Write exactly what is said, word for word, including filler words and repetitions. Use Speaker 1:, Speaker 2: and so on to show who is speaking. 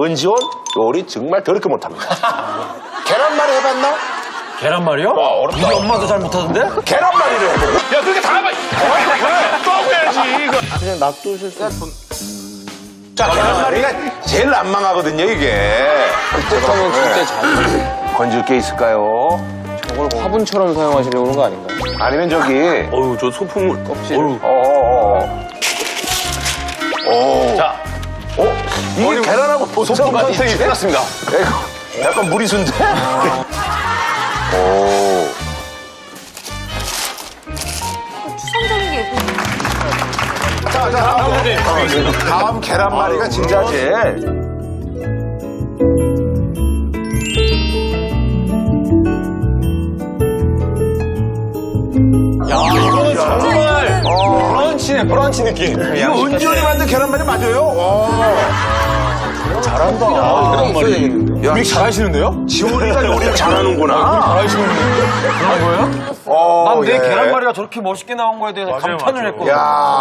Speaker 1: 은지원 요리 정말 더럽게 못합니다. 계란말이 해봤나?
Speaker 2: 계란말이요?
Speaker 1: 와, 어렵다.
Speaker 2: 우리 엄마도 잘 못하던데?
Speaker 1: 계란말이를 해보고. 야, 그렇게 다 해봐. 왜? 또 해야지, 이거.
Speaker 3: 그냥 놔두실 수
Speaker 1: 자, 계란말이가 제일 안 망하거든요, 이게.
Speaker 3: 그때부터는 진짜 잘.
Speaker 1: 건질 게 있을까요?
Speaker 3: 저걸 화분처럼 사용하시려고 그런 거 아닌가요?
Speaker 1: 아니면 저기.
Speaker 2: 어휴, 저 소품을.
Speaker 3: 껍질.
Speaker 2: 어휴.
Speaker 1: 어어어. 오.
Speaker 2: 자,
Speaker 1: 어? 이게 계란하고 보통
Speaker 2: 소품까지
Speaker 1: 선택이
Speaker 2: 끝났습니다.
Speaker 1: 이거 약간 무리수인데? 오.
Speaker 4: 추상적인 게 예쁘네.
Speaker 1: 자, 자, 다음, 어, 다음 계란말이가 진짜 제일.
Speaker 2: 야, 이거는 정말
Speaker 1: 어.
Speaker 2: 브런치네, 브런치 느낌.
Speaker 1: 이거 은지원이 만든 계란말이 맞아요? 와.
Speaker 2: 잘한다.
Speaker 3: 계란말이.
Speaker 1: 야,
Speaker 2: 우리 잘하시는데요?
Speaker 1: 지원이가 요리를 잘하는구나.
Speaker 2: 잘하시는데. 그런 거예요?
Speaker 1: 어,
Speaker 2: 난 내
Speaker 1: 예.
Speaker 2: 계란말이가 저렇게 멋있게 나온 거에 대해서 감탄을 했거든.
Speaker 1: 야.